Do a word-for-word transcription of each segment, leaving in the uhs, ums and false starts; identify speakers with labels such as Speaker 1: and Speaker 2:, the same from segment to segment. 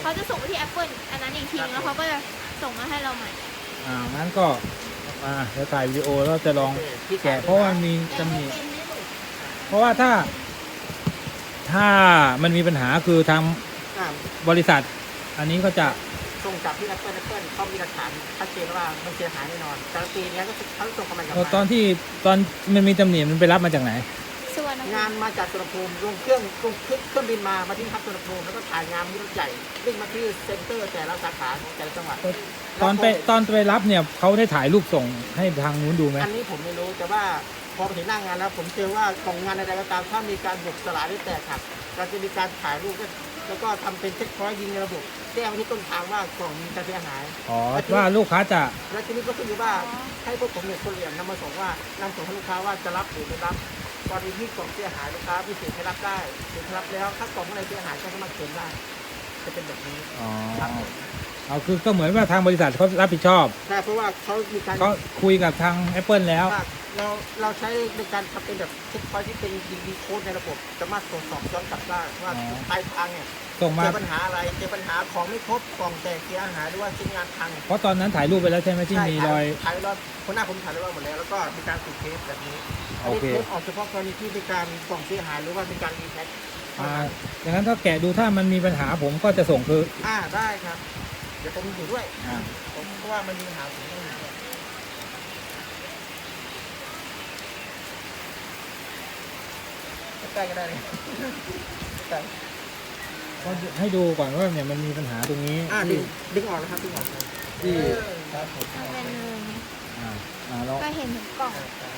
Speaker 1: เขาจะส่งไปที่ Apple อันนั้นอีกทีนึงแล้วเขาก็จะส่งมาให้เราใหม่
Speaker 2: อ่างั้นก็อ่าเดี๋ยวถ่ายวิดีโอแล้วจะลองแกะเพราะว่ามันมีตำหนิเพราะว่าถ้า ถ้ามันมีปัญหาคือทางบริษัท อันนี้ก็จะ
Speaker 3: ส่งจากที่ Apple Apple เขามีหลักฐานชัดเจนว่ามันเสียหายแน่นอนการันตีนี้ก็เขาส่งกำลังกลับมา
Speaker 2: ตอนที่ตอนมันมีตำหนิมันไปรับมาจากไหน
Speaker 1: ส่วน
Speaker 3: งานมาจากสุวรรณภูมิลงเครื่องลงเครื่องบินมามาที่ทับสุวรรณภูมิแล้วก็ถ่ายงานที่รถใหญ่วิ่งมาที่เซ็นเตอร์แต่ละสาขาของแต่ละจังหวัด
Speaker 2: ตอนไปตอนไปรับเนี่ยเขาได้ถ่ายรูปส่งให้ทางนู้นดูไหม
Speaker 3: อันนี้ผมไม่รู้แต่ว่าพอไปถึงหน้างานแล้วผมเจอว่ากล่องงานใดๆก็ตามถ้ามีการบุกสลายหรือแตกหักเราจะมีการถ่ายรูปแล้วก็ทำเป็นเช็คพอยต์ยิงในระบบแจ้งไปที่ต้นทางว่ากล่องมีการเสียหาย
Speaker 2: อ๋อว่าลูกค้าจะ
Speaker 3: แล้วทีนี้ก็ขึ้นอยู่ว่าให้พวกผมเนี่ยคนเหลี่ยมนำมาส่งว่านำส่งให้ลูกค้าว่าจะรับหรือไม่รับกรณีที่กล่องเสียหายลูกค้าพิเศษให้รับได้หรือรับแล้วถ้ากล่องอะไรเสียหายก็สามารถเขียนได้จะเป็นแบบนี้
Speaker 2: อ๋อเอาคือก็เหมือนว่าทางบริษัทเขารับผิดชอบ
Speaker 3: ใช่เพราะว่าเขามีการ
Speaker 2: เขาคุยกับทาง Apple แล้ว
Speaker 3: เราเราใช้ในการทำเป็นแบบเช็คพอยต์ที่เป็นดีดีโค้ดในระบบสามารถตรวจสอบย้อนกลับได้ว่าปลายทางเนี่ย
Speaker 2: ส่งมา
Speaker 3: เจอปัญหาอะไรเจอปัญหาของไม่ครบกล่องแตกเสียหายหรือว่าชิ้นงานพัง
Speaker 2: เพราะตอนนั้นถ่ายรูปไปแล้วใช่ไหมที่มีรอย
Speaker 3: ถ่ายรอยคนหน้าผมถ่ายได้ว่าหมดแล้วแล้วก็มีการติดเทปแบบนี้อันนี้เทปออกเฉพาะกรณีที่มีการกล่องเสียหายหรือว่ามีการรีแพ็ค
Speaker 2: อ่าอย่างนั้นถ้าแกะดูถ้ามันมีปัญหาผมก็จะส่งคือ
Speaker 3: อ่าได้ครับเดี๋ยวผมอยู่ด้วยอ่าผมเพราะว่ามันมีปัญหาผมต้องอยู่ด้วยใกล้ก็ได้เลยใกล้
Speaker 2: ก็ให้ดูก่อนว่าเนี่ยมันมีปัญหาตรงนี้
Speaker 3: อ่าดึงดึงออกแล้วครับดึงออก
Speaker 2: ที่
Speaker 3: ครับผม
Speaker 1: เป็น
Speaker 2: อ่าอ่าแล้ว
Speaker 1: ก็เห็นถึงกล่อง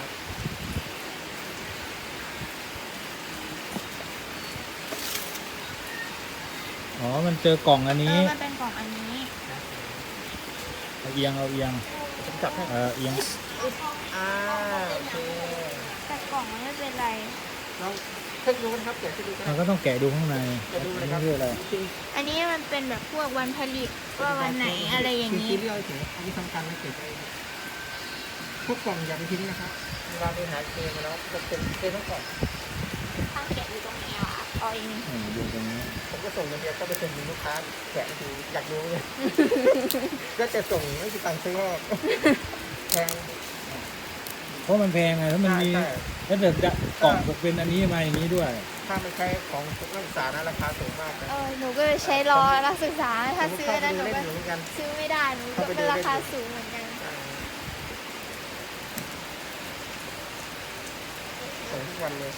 Speaker 2: อ๋อมันเจอกล่องอันนี้
Speaker 1: มันเป็นกล่องอันนี้
Speaker 2: เอาเอียงเอาเอียง
Speaker 3: ผมจับให้
Speaker 2: เออเอียง
Speaker 3: อ่าโอเค
Speaker 1: แต่กล่องมันไม่เป็นไร
Speaker 3: เราเช็คดูนะครับแกะดู
Speaker 2: มันก็ต้องแกะดูข้างใน
Speaker 3: แกะดูเลยครับ
Speaker 2: นี่คืออะไร
Speaker 1: อันนี้มันเป็นแบบพวกวันผลิตว่าวันไหนอะไรอย่างนี้
Speaker 3: ที่เรียกถึงอันนี้สำคัญนะเก็บพวกกล่องอย่าไปทิ้งนะครับเวลาไปหาเกมมาแล้วจะเป็นเกมทั้งกล่อง
Speaker 1: ทางแกะอยู่ตรงไหนอ่ะอ๋อเอง
Speaker 2: อยู่ตรงนี้
Speaker 3: ผมก็ส่งเงินเดือนก็ไปเป็นลูกค้าแกะดูอยากรู้เลยก็จะส่งไม่กี่ตังค์ซื้อแพง
Speaker 2: เพราะมันแพงไงแล้วมันมีแล้วเดี๋ยวจะกล่องเป็นอันนี้มาอย่างนี้ด้วย
Speaker 3: ถ้าไม่ใช่ของนักศึกษานะราคาสูงมาก
Speaker 1: เออหนูก็ใช้รอนักศึกษาถ้าซื้อนะหนูก็ซื้อไม่ได้หนูก็เป็นราคาสูงเหมือนกัน
Speaker 3: ส่งทุกวันเลย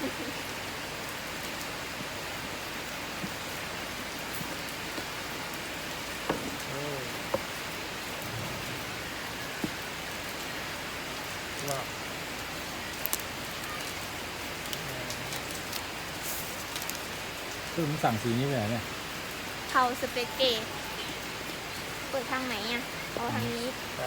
Speaker 2: คือผมสั่งสีนี้ไปไหนเนี่ย
Speaker 1: เทาสเปกเกตเปิดทางไหนอ่ะเอาทางนี้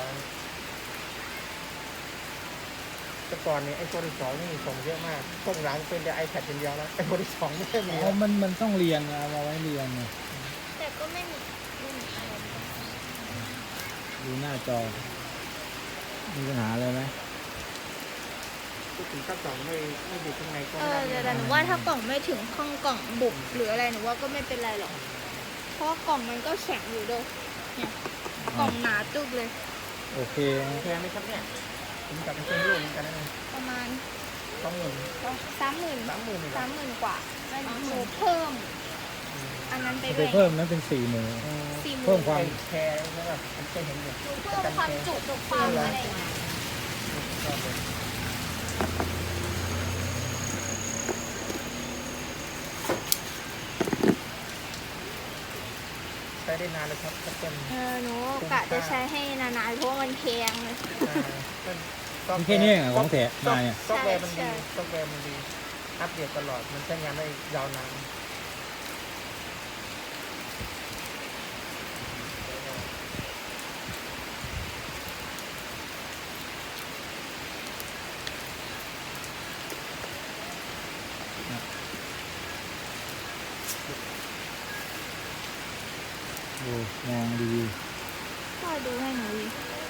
Speaker 3: แต่ก่อนนี้ไอโฟนที่สองนี่ส่งเยอะมากส่งหลังเป็นแต่ไอแพดเป็นเดียวแล้วไอโฟนที่สองไม่ได้มี
Speaker 2: อ๋อมันมันต้องเรียงนะเอาไว้เรียงไง
Speaker 1: แต่ก็ไม่มีไม่มีอะไร
Speaker 2: ดูหน้าจอมีปัญหาอะไรไหม
Speaker 3: ถึงถ้ากล่องไม่ไม่อยู่ข้างในก็
Speaker 1: เออแต่หนูว่าถ้ากล่องไม่ถึงข้างกล่องบุบหรืออะไรหนูว่าก็ไม่เป็นไรหรอกเพราะกล่องมันก็แข็งอยู่ด้วยเนี่ยกล่องหนาตึกเลย
Speaker 2: โอเค
Speaker 3: แพงไหมครับเนี่ยผมจับเป็นเส้นลูกเหมือนกันนะ
Speaker 1: ประมาณ
Speaker 3: สองหมื่น
Speaker 1: สามหมื่น
Speaker 3: สามหมื่น
Speaker 1: สามหมื่นกว่าหนูเพิ่มอันนั้นไป
Speaker 2: เพิ่มนั้นเป็นสี่หมื่นเพิ่มความ
Speaker 3: แพงใช่ป่ะผมเคยเห็นอยู่
Speaker 1: เพิ่มความจุจุความอะไร
Speaker 3: ใช้ได้นานเลยครับเป็น
Speaker 1: เออหนูกะจะใช้ให้นานๆเพราะมันแพงเลย
Speaker 2: แค่นี้ของแถมมา
Speaker 3: เนี่ยซอฟต์แวร์มันดีซอฟต์แวร์มันดีอัปเดตตลอดมันใช้งานได้ยาวนาน
Speaker 2: ดูมองดี
Speaker 1: ก็ดูให้หนูดิ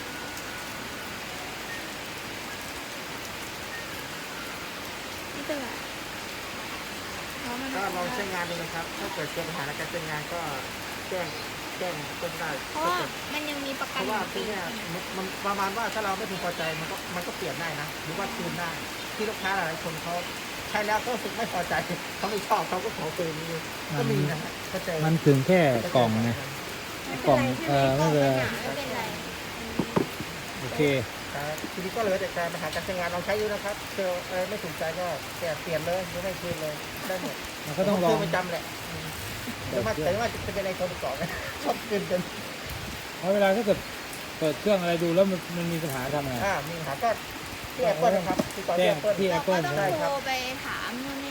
Speaker 1: นี่เป็นไร
Speaker 3: ก็ลองใช้งานดูนะครับถ้าเกิดเจอปัญหาในการใช้งานก็แจ้งแจ้งต้นได้
Speaker 1: เพราะว่ามันยังมีประ
Speaker 3: เพ
Speaker 1: กัน
Speaker 3: ราะว่า
Speaker 1: ปี
Speaker 3: ที่เนี่ยมันมันประมาณว่าถ้าเราไม่พึงพอใจมันก็มันก็เปลี่ยนได้นะหรือว่าคืนได้ที่ลูกค้าหลายคนเขาใช้แล้วก็รู้สึกไม่พอใจเขาไม่ชอบเขาก็ขอคืนมีก็มีนะฮะก็เจอ
Speaker 2: มันถึงแค่กล่องไง
Speaker 1: ไม่
Speaker 2: ก
Speaker 1: เป็
Speaker 2: ล่
Speaker 1: น
Speaker 2: อง
Speaker 1: ไรใช่ไห
Speaker 2: เอ
Speaker 1: ม
Speaker 2: อก
Speaker 1: ล่
Speaker 2: ไม่
Speaker 1: อง
Speaker 2: เป็น
Speaker 1: มัน
Speaker 2: ไร
Speaker 1: หนาไม่เป็นไร
Speaker 2: โอเค
Speaker 3: ครับทีนี้ก็เหลือแต่การปัญหาการใช้งานลองใช้ดูนะครับเจอเออไม่ถูกใจก็แกะเปลี่ยนเลยหรือไม่คืนเลยได้หมด
Speaker 2: มันก็ต้องลอง
Speaker 3: ผมคืนประจำแหละอืมแต่ว่าแต่ว่าจะเป็นอะไรคนก่อนนะชอบคืนจน
Speaker 2: เพราะเวลาถ้าเกิดเปิดเครื่องอะไรดูแล้วมันมันมีปัญหาทำไง
Speaker 3: อ่ามีปัญหาก็ที่แอปเปิลนะครับที่ต่อที่แอปเปิล
Speaker 2: ที่
Speaker 1: เราก็
Speaker 2: Apple
Speaker 1: ต้อง
Speaker 3: ใช่ครับ
Speaker 1: โทรไปถามนู่น